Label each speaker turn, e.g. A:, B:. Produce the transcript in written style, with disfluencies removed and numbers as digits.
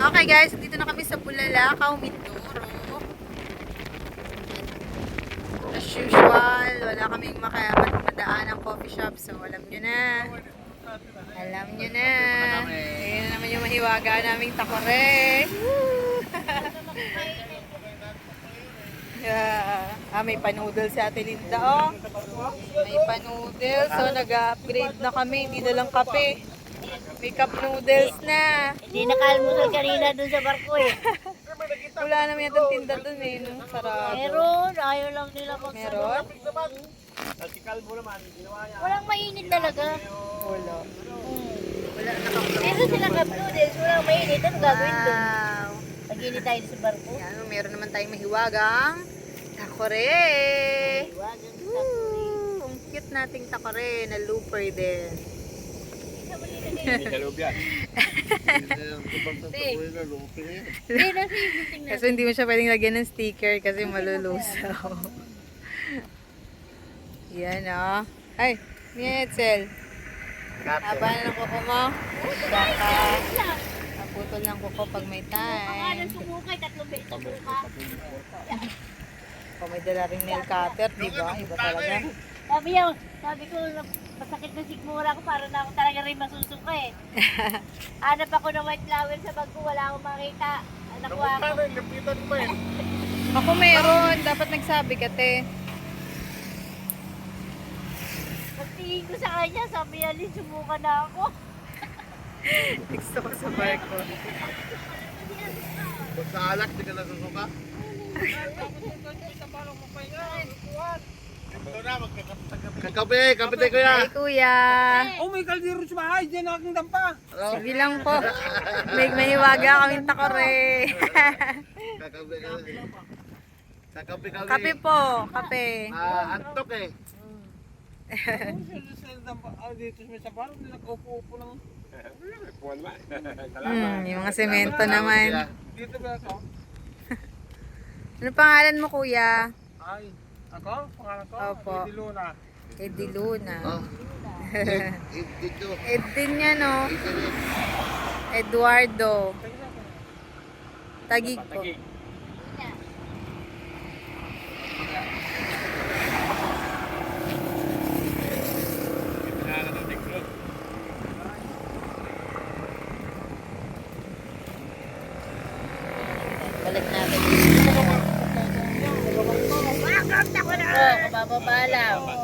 A: Okay guys, dito na kami sa Bulalakaw, Mindoro. As usual, wala kaming madaan ng coffee shop. So alam nyo na. Alam nyo na. Ayan na naman yung mahiwaga naming takore. Yeah. May pa-noodles si Ate Linda, oh. May pa-noodles. So nag-upgrade na kami. Hindi na lang kape. May cup noodles na.
B: Hindi nakalmusal kanina dun sa barko eh.
A: Wala naman yung tinda dun eh. No? Sarado.
B: Meron, ayaw lang nila
A: Meron?
B: Walang mainit talaga.
A: Wala.
B: Wala meron silang cup noodles, walang mainit. Ano gagawin dun?
A: Wow.
B: Pag-init tayo sa barko.
A: Yan, meron naman tayong mahiwagang takore.
B: Iwagan sa
A: Woo! Ang cute nating takore na looper din. Kasi hindi mo siya pwedeng lagyan ng sticker kasi malulusaw. Yan o. Ay, Mietzel. Haba na ng kuko mo. Baka naputol ng kuko pag may time.
B: sumukay, 3 beses sumuka.
A: Kung may dala rin nail cutter, di ba? Iba talaga.
B: Sabi ko, masakit na sigmura ko para na ako talaga rin masusuka eh. Hanap ako ng white flower sa bag ko, wala akong makita. Nakuha ko.
A: Ako meron. Dapat nagsabi ka, te.
B: Pagtingin ko sa kanya, sabi niya, Lin, sumuka na ako.
A: Gusto ko sa barko.
C: Pag sa alak, di ka nasusuka? Kakape, kape tayo kuya.
A: Ay, kuya.
D: Oh, may kaldero sa bahay. Diyan ang aking dampa.
A: Sige lang po. May mahiwaga kaming takore.
C: Kakape, kakape.
A: Kape po. Kape.
C: Antok eh.
D: Sa dampa. Dito sa parang nag-upo-upo lang.
A: Yung mga semento naman.
D: Dito ba ako?
A: Ano pangalan mo, kuya?
D: Ay, ako? Pangalan ko?
A: Opo.
D: Eddie Luna.
A: Eddie Luna.
C: Oh. Dito.
A: Ed din niya, no? Eduardo. Tagig po.
B: Balik natin. Oh, kabababa lang.